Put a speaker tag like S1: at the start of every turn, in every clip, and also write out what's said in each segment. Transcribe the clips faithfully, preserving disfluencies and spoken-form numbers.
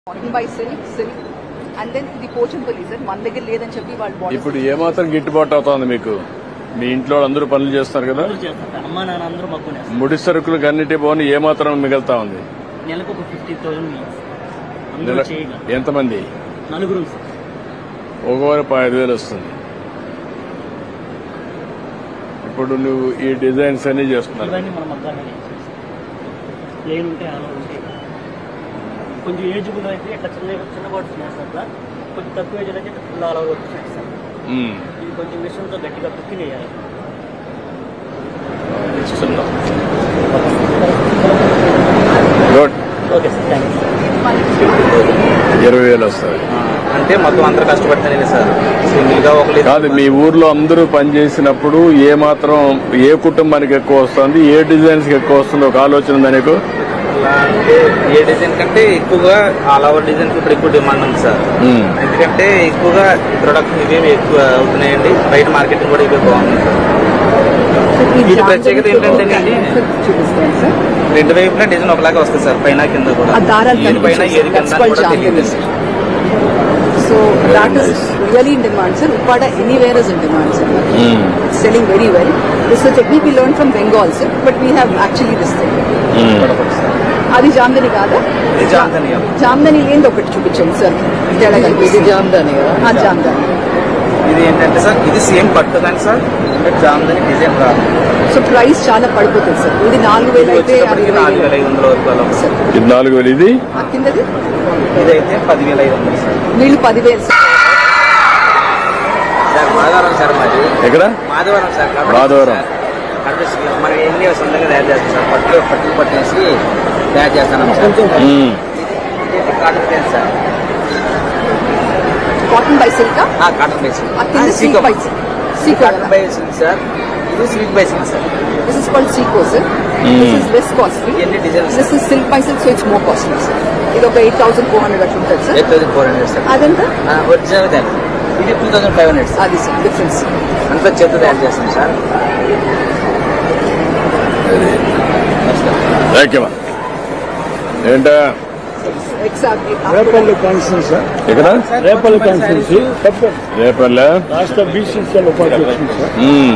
S1: Cotton by silk, silk, and then the Pochampalli sir, మన దగ్గర లేదని చెప్పి వాళ్ళు
S2: ఇప్పుడు ఏమాత్రం గిట్టుబాటు అవుతుంది మీకు? మీ ఇంట్లో అందరూ పనులు చేస్తారు కదా,
S3: అమ్మా నాన్న అందరూ మగ్గునే
S2: ముడి సరుకులకు అన్నిటి పోని ఏమాత్రం మిగులుతా ఉంది?
S3: నెలకు ఒక ఫిఫ్టీ థౌసండ్.
S2: ఎంతమంది?
S3: నలుగురు.
S2: ఒకవారు ఐదు వేలు వస్తుంది. ఇప్పుడు నువ్వు ఈ డిజైన్స్ అన్ని చేస్తున్నావు.
S3: ఇవన్నీ మన మగ్గానే ప్లేన్ ఉంటే అలా ఉంటాయి. కొంచెం ఏజ్బుల్ అయితే ఇట్లా చిన్న చిన్న బాట్స్ వేస్తారు సార్. కొంచెం తక్కువ ఏజ్ అయితే ఫుల్ ఆల్ ఓవర్ వచ్చేసి సార్. ఇది కొంచెం మిషన్తో గట్టిగా కుక్కింగ్ వేయాలి. Okay sir, thank you.
S2: ఇరవై వేలు వస్తుంది
S4: అంటే మొత్తం అందరూ కష్టపడతానే సార్. సింగిల్ గా ఒక
S2: కాదు, మీ ఊర్లో అందరూ పనిచేసినప్పుడు ఏ మాత్రం ఏ కుటుంబానికి ఎక్కువ వస్తుంది, ఏ డిజైన్స్ ఎక్కువ వస్తుంది ఒక ఆలోచన ఉందా నీకు?
S4: అంటే ఏ డిజైన్ కంటే ఎక్కువగా ఆల్ ఓవర్ డిజైన్ ఇప్పుడు ఎక్కువ డిమాండ్ ఉంది సార్. ఎందుకంటే ఎక్కువగా ప్రొడక్షన్ ఇవే ఎక్కువ అవుతున్నాయండి. బయట మార్కెటింగ్ కూడా ఇవే బాగుంది సార్. వీటి ప్రత్యేకత ఏంటంటే రెండు వైపులా డిజైన్ ఒకలాగా వస్తుంది సార్, పైన కింద కూడా. ఏది పైన ఏది కింద కూడా తెలియదు.
S1: So that is really in demand, sir. Uppada anywhere is in demand, sir. Mm. It's selling very well. This is a technique we learned from Bengal, sir, but we have actually this thing. అది జామ్దని కాదా? జామ్దని లేని ఒకటి చూపించండి sir. ఇది జామ్దాని కదా? జామ్దాని.
S4: ఇది ఏంటంటే sir, ఇది సేమ్ పట్టు కానీ సార్ జామ్దాని డిజైన్ రాదు.
S1: సో ప్రైస్ చాలా పడిపోతుంది సార్. ఇది నాలుగు వేలు అయితే
S4: నాలుగు వేల ఐదు వందల వరకు
S1: సార్.
S2: ఇది నాలుగు వేలు. ఇది
S1: కిందది
S4: ఇదైతే పదివేల ఐదు వందలు సార్.
S1: వీళ్ళు పదివేలు సార్.
S4: సార్ మాధవరం సార్, మాది
S2: ఎక్కడ?
S4: మాధవరం సార్.
S2: మాధవరం
S4: మరి ఎన్ని సొంతంగా తయారు చేస్తాం సార్. పట్టు పట్టుకు పట్టేసి తయారు చేస్తాను sir. Cotton plain sir.
S1: Cotton by silk.
S4: Cotton by silk.
S1: Silk by silk.
S4: Cotton by silk sir. ఇది silk by silk sir.
S1: This is called Seco, sir. Mm. This is less costly. This is silk by silk, so it's more costly, sir. ఇది ఒక eight thousand four hundred అట్లా ఉంటుంది sir.
S4: Eight thousand four hundred sir.
S1: అదంతా
S4: original దాని ఇది two thousand five hundred sir.
S1: అది sir difference.
S4: అంతా చేత తయారు చేస్తాం సార్.
S2: ఏంటా
S5: రేపల్లి కాన్స్టిట్యూన్సీ ఇక్కడ రేపల్లి కాన్స్టిట్యూన్సీ
S2: రేపల్లె
S5: రాష్ట్ర బీసీసీఎల్ ఉపాధ్యక్షుడు సార్.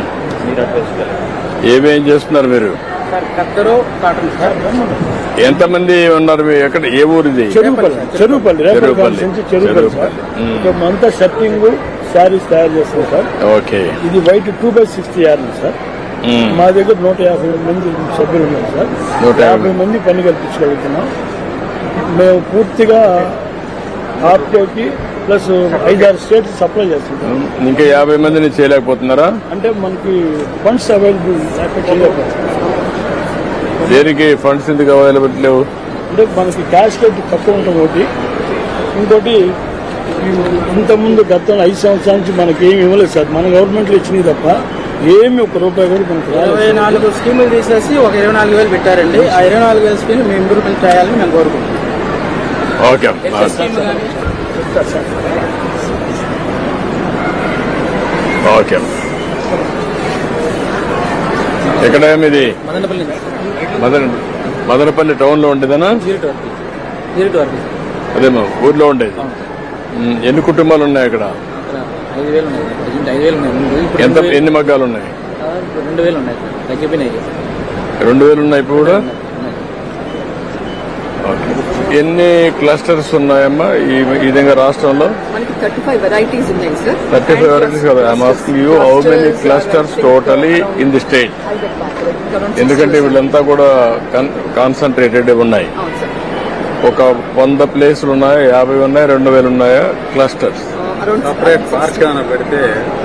S2: ఏమేం చేస్తున్నారు మీరు?
S4: కత్తరు కాటన్ సార్.
S2: ఎంతమంది ఉన్నారు? ఎక్కడ, ఏ ఊరిది?
S5: చెరువుపల్లి. Cheruvupalli Repalle constituency Cheruvupalli sir. అంతా షర్టింగ్ శారీస్ తయారు చేస్తాం సార్.
S2: ఓకే.
S5: ఇది white two by sixty yard sir. మా దగ్గర నూట యాభై మంది సభ్యులు ఉన్నారు సార్. నూట యాభై మంది పని కల్పించగలుగుతున్నాం. మేము పూర్తిగా ఆప్కోకి ప్లస్ ఐదారు స్టేట్స్ సప్లై చేస్తున్నాం.
S2: ఇంకా యాభై మందిని చేయలేకపోతున్నారా?
S5: అంటే మనకి ఫండ్స్ అవైలబుల్ చేయలేకపోతున్నాం.
S2: దేనికి ఫండ్స్ ఎందుకు అవైలబుల్ లేవు?
S5: అంటే మనకి క్యాష్ రేట్ తక్కువ ఉంటుంది ఒకటి. ఇంకోటి ఇంతకుముందు గతంలో ఐదు సంవత్సరాల నుంచి మనకి ఏమి ఇవ్వలేదు సార్. మన గవర్నమెంట్లో ఇచ్చినవి తప్ప ఏమి ఒక రూపాయి కూడా మనకు
S4: ఇరవై నాలుగు స్కీములు తీసేసి ఒక ఇరవై నాలుగు వేలు పెట్టారండి. ఆ ఇరవై నాలుగు వేల స్కీమ్ మేము ఇంప్రూవ్మెంట్ చేయాలని మేము కోరుకుంటున్నాం.
S2: ఓకే. ఓకే. ఎక్కడ ఇది?
S4: మదనపల్లి.
S2: మదన మదనపల్లి టౌన్ లో ఉండేదనా? అదేమో ఊర్లో ఉండేది. ఎన్ని కుటుంబాలు ఉన్నాయి అక్కడ?
S4: ఐదు వేలు ఉన్నాయి. ఐదు వేలు ఉన్నాయి.
S2: ఎంత, ఎన్ని మగ్గాలు ఉన్నాయి?
S4: రెండు వేలు ఉన్నాయి. తగ్గిపోయినాయి.
S2: రెండు వేలు ఉన్నాయి ఇప్పుడు కూడా. ఎన్ని క్లస్టర్స్ ఉన్నాయమ్మా ఈ విధంగా రాష్ట్రంలో?
S1: మనకి థర్టీ ఫైవ్ వెరైటీస్ ఉన్నాయి సార్.
S2: థర్టీ ఫైవ్ వెరైటీస్ కదా. I'm asking you how many clusters totally in the state? ఎందుకంటే వీళ్ళంతా కూడా కాన్సన్ట్రేటెడ్ ఉన్నాయి. ఒక వంద ప్లేసులు ఉన్నాయా, యాభై ఉన్నాయా, రెండు వేలు ఉన్నాయా క్లస్టర్స్?
S4: సపరేట్ పార్క్ ఏమైనా పెడితే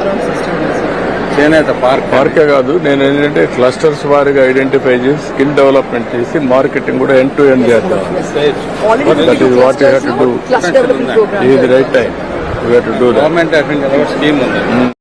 S4: చేనేత పార్క్.
S2: పార్కే కాదు, నేను ఏంటంటే క్లస్టర్స్ వారిగా ఐడెంటిఫై చేసి స్కిల్ డెవలప్మెంట్ చేసి మార్కెటింగ్ కూడా ఎండ్ టు ఎండ్ చేద్దాం. That is what you have to do. ఇది right time. You have to do.
S4: Government scheme ఉంది.